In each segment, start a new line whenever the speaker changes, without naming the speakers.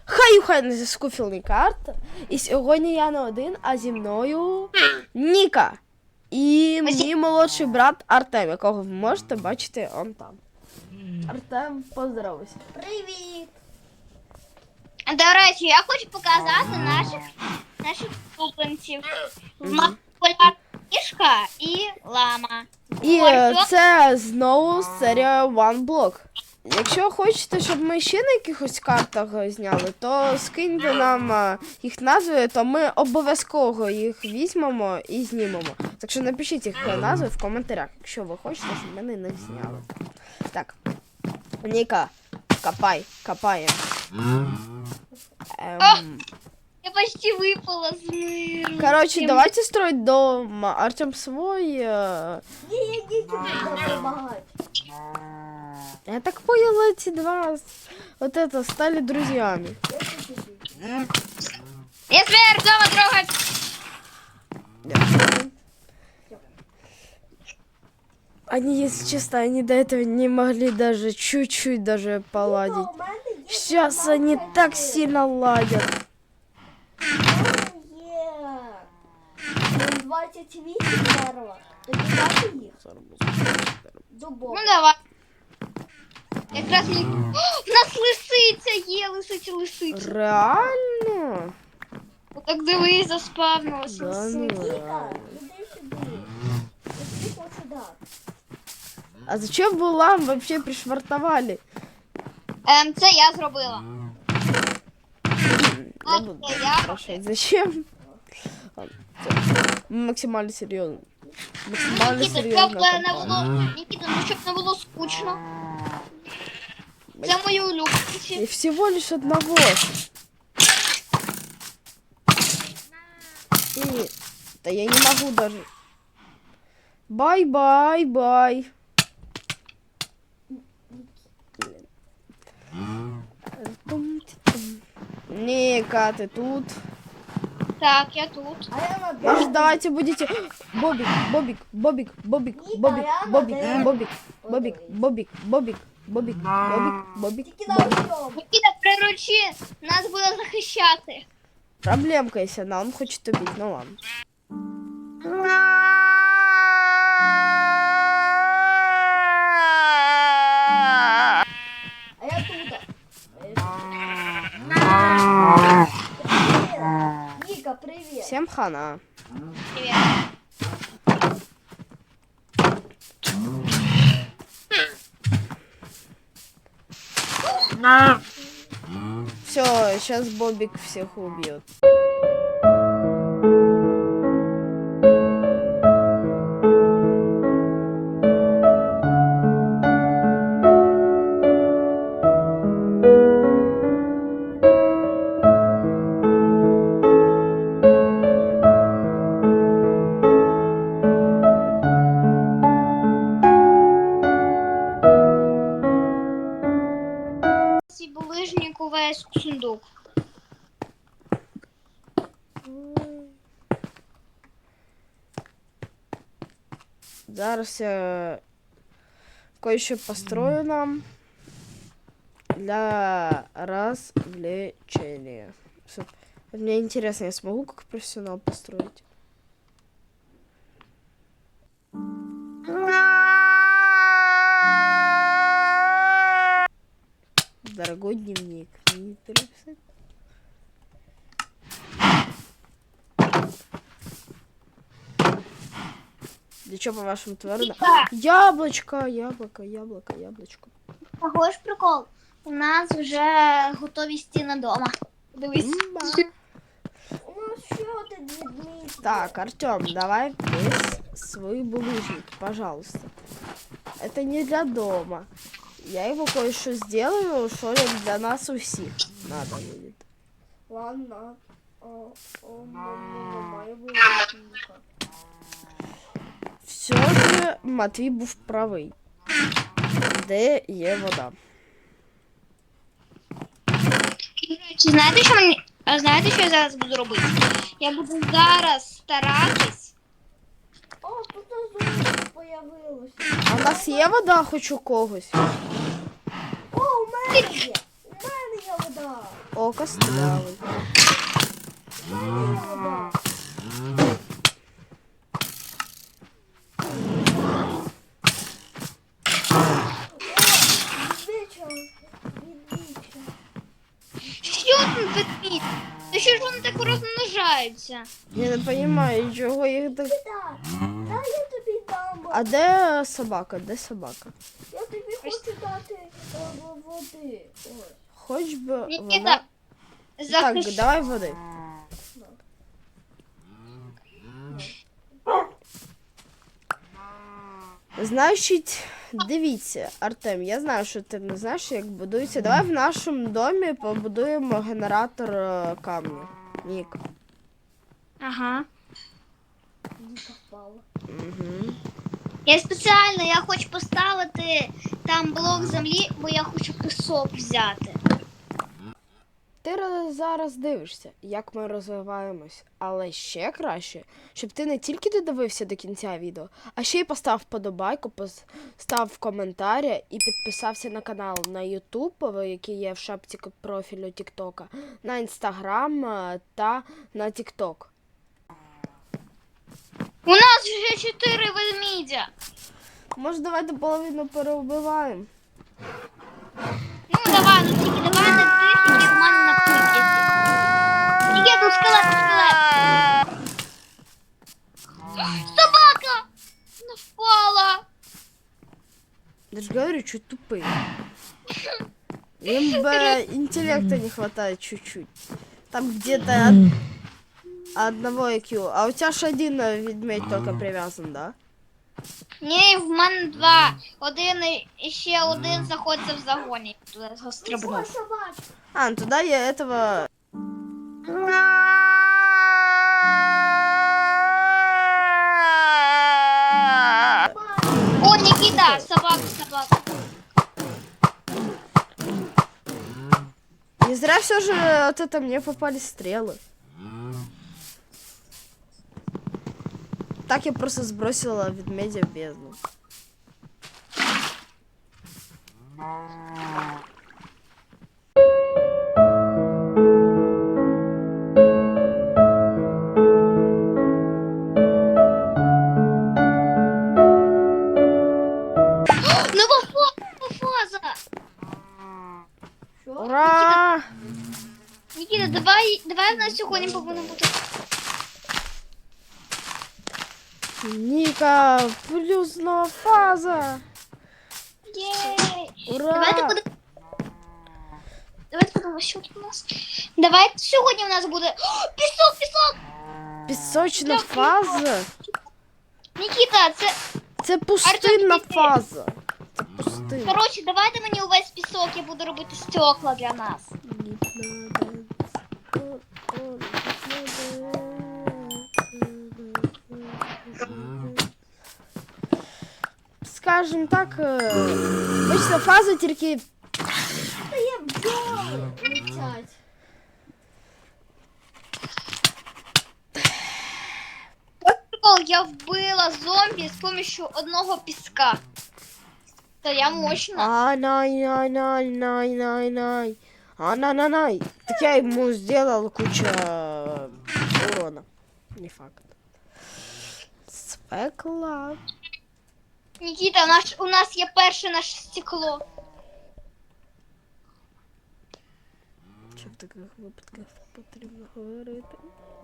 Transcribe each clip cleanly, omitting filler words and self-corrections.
Хай не заскуфілні карти. І сьогодні я не один, а зі мною Ніка. І мій молодший брат Артем, якого ви можете бачити он там. Артем, поздоровайся.
Привіт!
До речі, я хочу показати наших купленців. Популярна кішка і лама.
І це знову серія One Block. Якщо хочете, щоб ми ще на якихось картах зняли, то скиньте нам їх назви, то ми обов'язково їх візьмемо і знімемо. Так що напишіть їх назви в коментарях, якщо ви хочете, щоб ми на них зняли. Так, Ніка, копаємо.
Я почти випала з миру.
Короче, давайте строить дом. Артем свой.
Я не буду допомагати.
Я так поняла, эти два вот это стали друзьями.
Я зверь дома трогать.
Они, если честно, они до этого не могли даже чуть-чуть даже поладить. Сейчас они так сильно ладят.
Є. 28 дерева. Тоді дати їх. Дубок.
Ну давай. Якраз мені... О, в нас лисиця є, лисиця.
Реально?
Так дивись, заспавнилася.
Да ну
Ніка,
реально.
іди сюди. Іди сюди.
А зачем вы лам вообще пришвартовали?
Це я зробила.
Я буду спрашивать, зачем? Ладно, всё. Максимально серьезно. Максимально
Нікіта,
серьезно.
Нікіта, ну щоб не було скучно. Це мої улюбленці.
И всего лишь одного. И... Да я не могу даже. Бай-бай-бай. Ника, ты тут?
Так, я тут.
А я на
Может, давайте будете... Бобик, Бобик, Бобик, Бобик, Бобик, Бобик, Бобик, Бобик, Бобик, Бобик, Бобик, Бобик, Бобик,
Тільки на
Бобик.
одному.
Нікіта, приручи, нас буде захищати.
Проблемка, если она, он хочет убить, ну ладно.
А я тут. Ніка, привіт.
Всем хана.
Привіт.
Все, сейчас Бобик всех убьет.
Ці булижник увесь сундук.
Зараз я кое-что построю нам для развлечения. Мне интересно, я смогу как профессионал построить? Дорогой дневник. Мне интересно. Да что, по-вашему, твердо? Яблочко, яблочко.
Того ж прикол. У нас вже готові стіни дома. Дивись.
Ну що ти, Дмитрий?
Так, Артем, давай весь свой булыжник, пожалуйста. Это не для дома. Я его кое-что сделаю, что для нас у всех надо будет.
Ладно. Має бути Ніка.
Все же Матвій був правий. Де є вода?
До речі, знаєте, що я зараз буду робити? Я буду зараз старатись.
О, тут знову появилося.
А в нас є вода хоч у когось?
О, у мене є. У мене є вода. вода.
О, кострявий.
Вода. Відвіча. Відвіча.
Що там ведмідь? Та що ж вони так розмножаються?
Я не розумію, чого їх так.
Так, дай я тобі дам.
А де собака? Де собака?
Я тобі хочу дати води. Ось.
Хоч би вона.
Нікіта,
Так,
захищай.
давай води. Значить, дивіться, Артем, я знаю, що ти не знаєш, як будується. Давай в нашому домі побудуємо генератор камню. Нік.
Ага.
Ніка впала.
Угу.
Я спеціально, я хочу поставити там блок землі, бо я хочу пісок взяти.
Ти зараз дивишся, як ми розвиваємось, але ще краще, щоб ти не тільки додивився до кінця відео, а ще й постав вподобайку, постав коментарі і підписався на канал на YouTube, який є в шапці профілю TikTok, на Instagram та на TikTok.
У нас вже 4 ведмідя.
Може, давайте половину переубиваємо?
Ну давай, ну тільки давай не тих, які в мене на кухні. Є тут скелет, скелет. Собака! Не впала.
Я же говорю, чуть тупые. Им бы интеллекта не хватает чуть-чуть. Там где-то одного IQ. А у тебя же один ведмедь только привязан, да?
Ні, в мене 2. Один і ще один знаходиться в загоні. Туди його
Ось
стрибнув.
собачка.
А, ну туда я этого...
О, Нікіта, собака, собака.
Не зря все же от это мне попались стрелы. Так я просто сбросила ведмедя в бездну.
Нова фаза.
Що?
Ура!
Нікіта, давай в нас сьогодні повинно бути.
Ника, плюсная фаза!
Єй.
Ура!
Давайте подивимося, що тут у нас. Давайте сьогодні у нас буде. О, пісок, пісок!
Пісочна фаза?
Нікіта,
Це пустинна
Артем,
фаза. Це пустинна.
коротше, давайте мені увесь пісок, я буду робити стекла для нас.
Скажем так, обычно фаза тільки
Та є бджоли летять.
Прикол, я вбила зомбі з помощью одного піска. Та я мощна.
ай-най-най-най-най-най. Ай-най-най-най. Так я ему сделал кучу урона. Не факт. Свекла.
Нікіта, у нас є перше наше стекло.
Що в таких випадках потрібно говорити?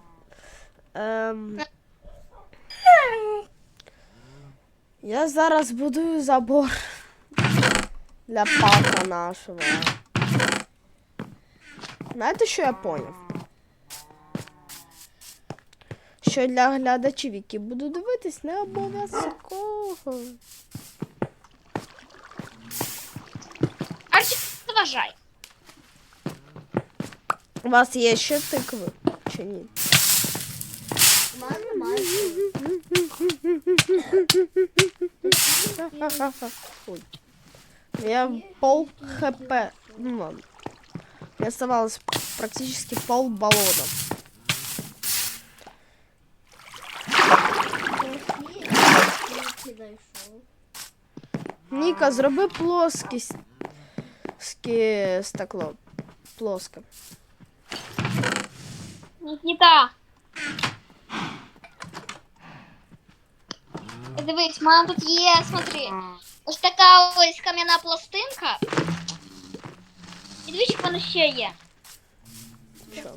Я зараз будую забор для парка нашого. Знаєте, що я поняв? Що для глядачів, які будуть дивитись, не обов'язково.
Арчі, заважай.
У вас є ще тикви? Чи ні?
У мене немає.
Ой. Я пол хп. Ну ладно. Мне оставалось практически пол баллона. Ніка, зроби плоскість стекло. плоска.
Нікіта. Дивись, в мене тут є, смотри. Ось така ось кам'яна пластинка. І дивись, що в мене ще є.
Що?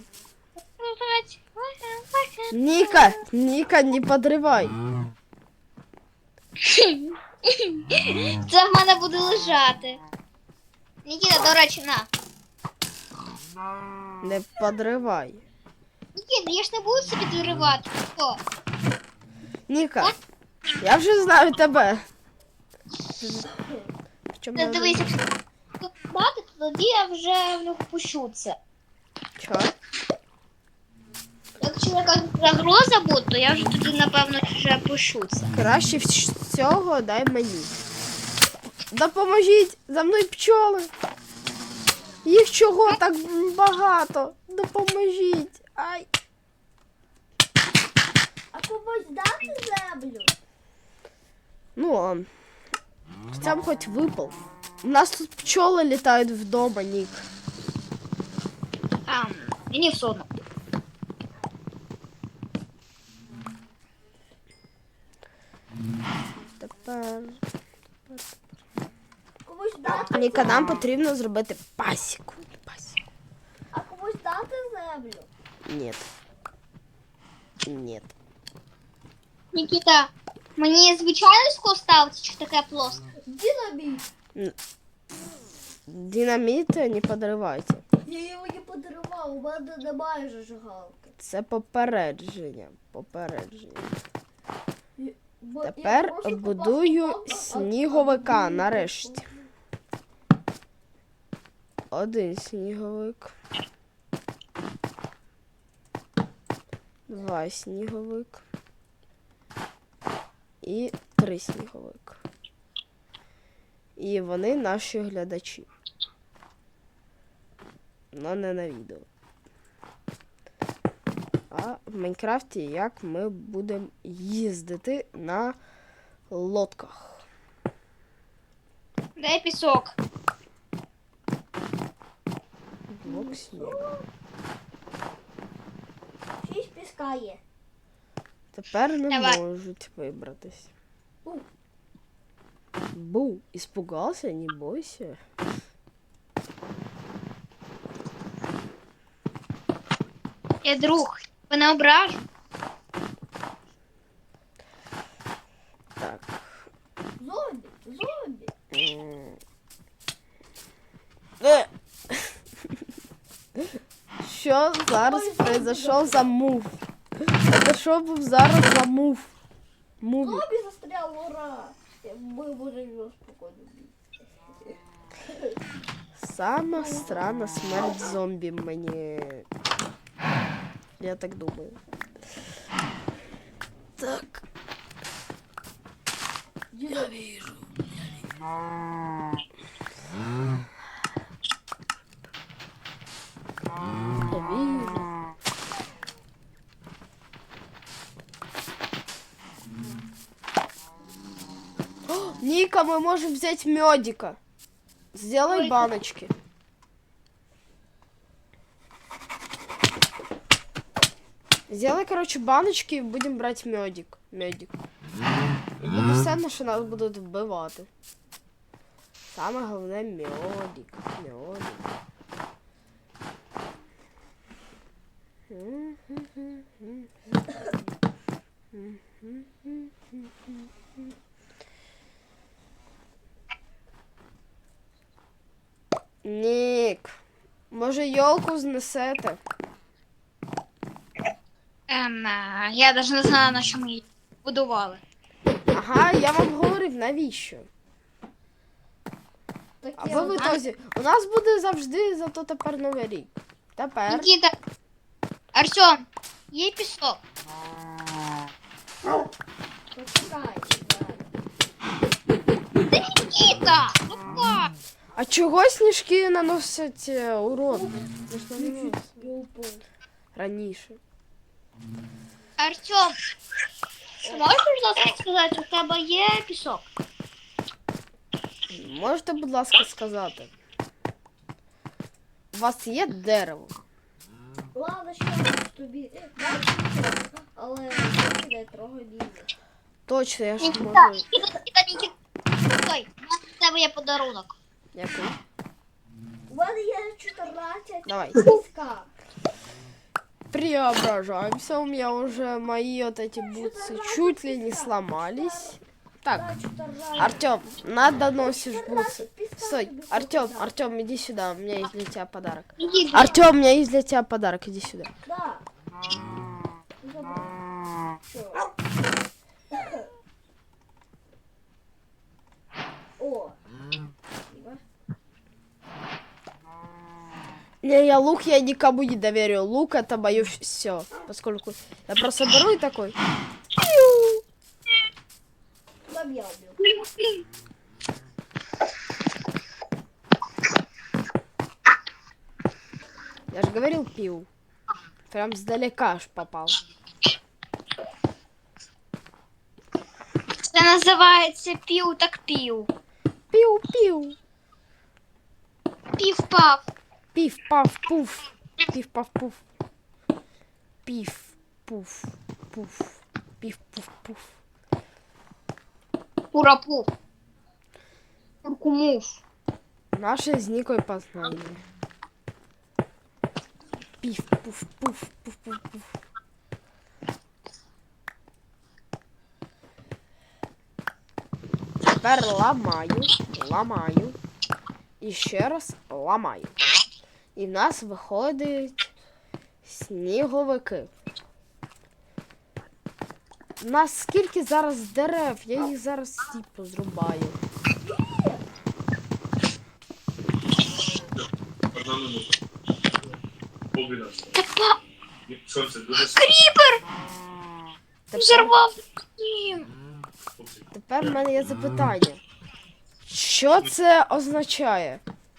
Ніка, Ніка, не подривай.
Це в мене буде лежати. Нікіта, до речі, на.
Не подривай.
Нікіта, я ж не буду собі доривати. Що?
Ніка, я вже знаю тебе. Чому
Ти
я
дивись,
вже-
якщо дати, то тоді я вже в нього пущу це.
Чо?
Якщо якась загроза буде, то я вже тоді, напевно, вже пущу це.
Краще всього дай мені. Допоможіть! За мною пчоли! Їх чого так багато? Допоможіть! Ай!
А комусь дати землю?
Ну, хоча б хоч випал. У нас тут пчоли літають вдома, Нік.
Мені все одно.
Тепер...
Комусь дати?
Ніка, нам потрібно зробити пасіку. Пасіку.
А комусь дати землю?
Ні. Ні.
Нікіта, мені звичайно скло ставити, чи таке плоске?
Динамит.
Динаміт не подривайте.
Я його не подарував, у мене немає зажигалки.
Це попередження. Попередження.
Бо я
Тепер
прошу
будую
покласти
сніговика
одну
нарешті. Один сніговик. Два сніговик. І 3 сніговик. І вони наші глядачі. Но не на відео. А в Майнкрафті як ми будемо їздити на лодках.
Дай пісок.
Блок снігу.
6 піска є.
Тепер не
Давай.
можуть вибратись.
Бу.
Бу, испугался, не бойся.
Я друг, мене ображу.
Так.
Зомбі, зомбі.
Е. Що зараз произошов за мув? Це що був зараз за мув? Муві.
Зомбі застрял, ура. Ми можемо його спокійно бити.
Сама странна смерть зомбі мені. Я так думаю. Так. Я вижу. Я вижу. О, Ника, мы можем взять медика. Сделай
Ой.
баночки. Сделай, короче, баночки и будем брать медик. Медик. І буде все, на що нас будуть вбивати. Саме головне медик. Медик. Нік, може йолку знесете?
Я навіть не знаю, на що ми її будували.
Ага, я вам говорив, навіщо?
Так
А
я
ви в ітозі, у нас буде завжди зато тепер Новий рік. Тепер.
Нікіта, Артем, є пісок.
почекай.
Нікіта, ну як?
А чого сніжки наносять урон? Це ж не наносять.
Я упав.
Раніше.
Артем, можеш, будь ласка, сказати, у тебе є пісок?
Можете, будь ласка, сказати? У вас є дерево?
Ладно, що тобі бачиш, але не трогай лізо.
Точно, я ж
Нікіта,
можу.
Нікіта. Стой, у тебе є подарунок.
Який?
У мене є 14
Давай.
піска.
Преображаемся. У меня уже мои вот эти бутсы чуть ли не сломались. Так,
Да, 14.
Артем, надо носишь бутсы.
14 піска
Стой,
тобі
Артем,
хочу дати.
Артем, иди сюда. У меня есть для тебя подарок.
Нікіта.
Артем, у меня есть для тебя подарок. Иди сюда.
Да. Забыл. Що? О. Спасибо.
Не, я лук я никому не доверю. Лук это мое все. Поскольку я просто беру и такой. Пиу.
Там я убил.
Я же говорил пиу. Прям сдалека аж попал.
Це називається пів так пів.
Пиу-пиу.
Пів-пав.
Пиф, паф, пуф. Пиф, паф, пуф. Пиф, пуф, пуф. Пиф, пуф, пуф.
Пурапуф. Куркумуф.
Наше з Нікою познання. Пиф, пуф, пуф, пуф, пуф, пуф. Тепер ламаю. І ще раз ламаю. І в нас виходить сніговики. У нас скільки зараз дерев, я їх зараз всі позрубаю.
Одна минута. Полдвенадцятого.
Та
Сонце дуже
Кріпер!
Тепер,
Взорвав дім.
тепер в мене є запитання. Що це означає?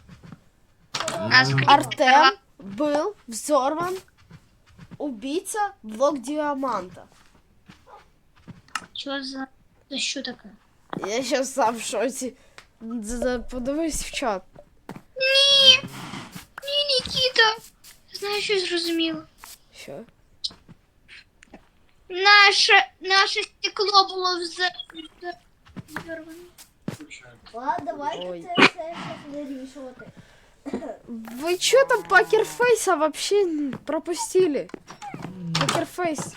Артем был взорван, убийца, блок диаманта.
Що за... Це що таке?
Я сейчас сам в шоці. Подивись в чат.
Ні! Ні, Нікіта! Знаю, що зрозуміло.
Що?
Наше стекло було взорване.
Ладно, давайте
Ой.
це все щас вирішувати.
Вы чё там покерфейса вообще пропустили? Покерфейс.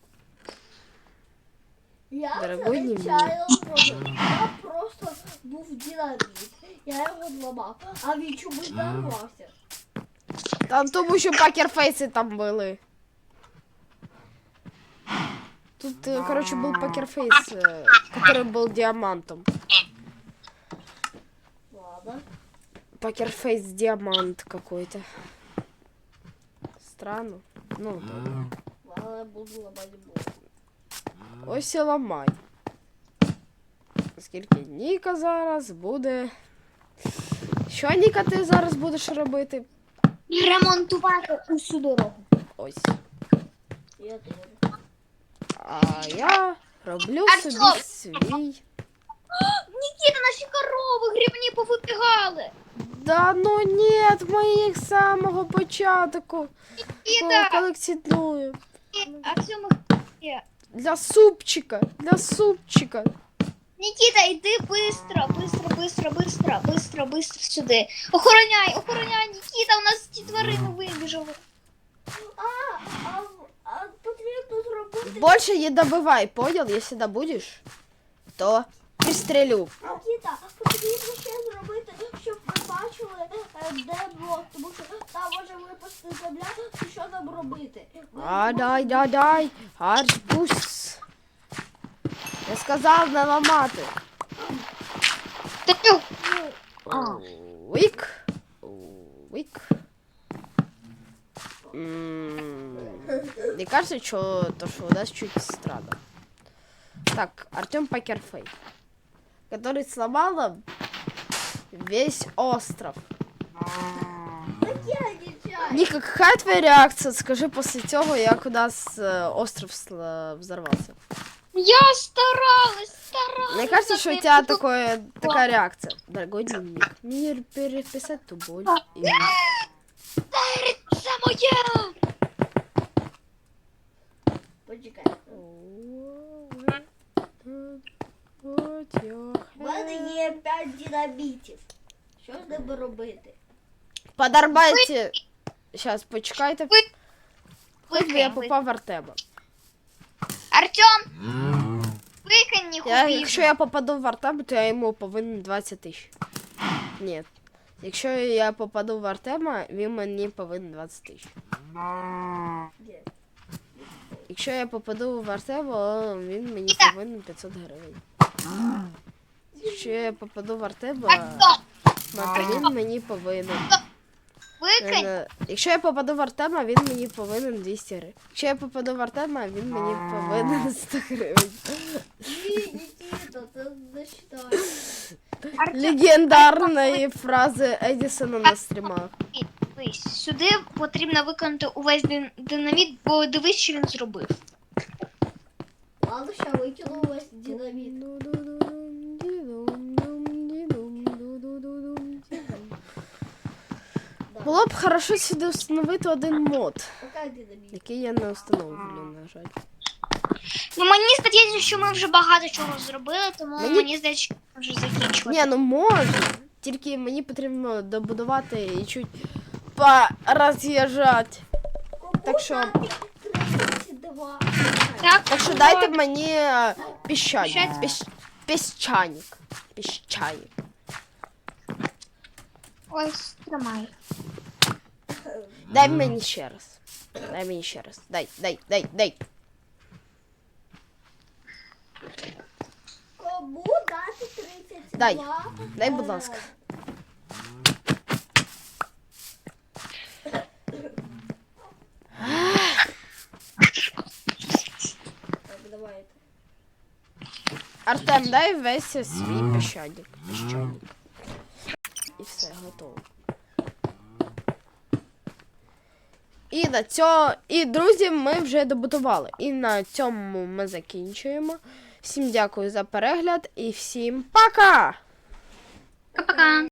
Я
Дорогой
це
дневник.
нечайно зробив. Я просто був динаміт. Я його зламав, а він чомусь зарвався.
Там тому що покерфейси там були. Тут, короче, был покерфейс, который был диамантом.
Ладно.
Покерфейс диамант какой-то. Странно. Ну, добре.
Ладно, я буду ламати блок.
Ось і ламай. Оскільки Ніка зараз буде. Що, Ніка, ти зараз будеш робити?
Ремонтувати усю дорогу.
Ось.
Я теж.
А я роблю
Артем!
собі свій.
Нікіта, наші корови грибні повибігали.
Да ну нет, ми їх з самого початку
Нікіта,
колекціоную.
а в цьому є.
Для супчика, для супчика.
Нікіта, йди быстро сюди. Охороняй, Нікіта, у нас ті тварини вибіжали.
А потрібно зробити.
Больше не добывай, понял? Если добудешь, то пристрелю.
Нікіта, потрібно ще зробити, щоб ви бачили, де блок, тому що там може випасти земля, і що нам робити.
А, дай. Арбуз. Я сказав не ламати.
Та
Уик. Мне кажется, что у нас чуть странно. Так, Артем Покерфей, который сломал нам весь остров.
Так я нічого.
Ника, какая твоя реакция? Скажи после цього, як у нас остров взорвался.
я старалась.
Мне кажется, что у тебя такая реакция. Дорогой дневник, мне переписать ту боль.
Це моє!
Почекай.
Put your
У мене є 5 динамітів. Що з ними робити?
Подорвайте. Сейчас, почекайте.
Ви-
Хоч би я
Викинь,
попав в Артема.
Артем! Викинь їх у
Якщо я попаду в Артема, то я йому повинен 20 тисяч. Ні. Якщо я попаду в Артема, він мені повинен 20 тисяч.
Де?
Якщо я попаду в Артема, він мені повинен 500 гривень. Якщо я попаду в Артема, то він мені повинен.
Викинь!
Якщо я попаду в Артема, він мені повинен 200 гривень. Якщо я попаду в Артема, він мені повинен 100 гривень.
Ні, Нікіто, це не считаю.
Легендарні фрази Едісона на стрімах.
Дивись, сюди потрібно виконати увесь динаміт, бо дивись, що він зробив.
Ладно, ще викину весь динаміт. Да.
Було б хорошо сюди встановити один мод,
Пока динаміт.
який я не встановлю, на жаль.
Ну мені здається, що ми вже багато чого зробили, тому
Мені-
мені здається, що ми вже закінчувати.
Ні, ну можна. Тільки мені потрібно добудувати і чуть пороз'їжджати.
Кому
Так що-
дати 32?
Так що дайте мені піщаник.
Піщать?
Піщаник. Піщаник.
Ось, тримай.
Дай мені ще раз. Дай мені ще раз. Дай.
Кому дати 32?
Дай, будь ласка.
Так, давайте.
Артем, дай весь свій піщаник. І все, готово. І друзі, ми вже добудували. І на цьому ми закінчуємо. Всім дякую за перегляд і всім пока!
Пока-пока.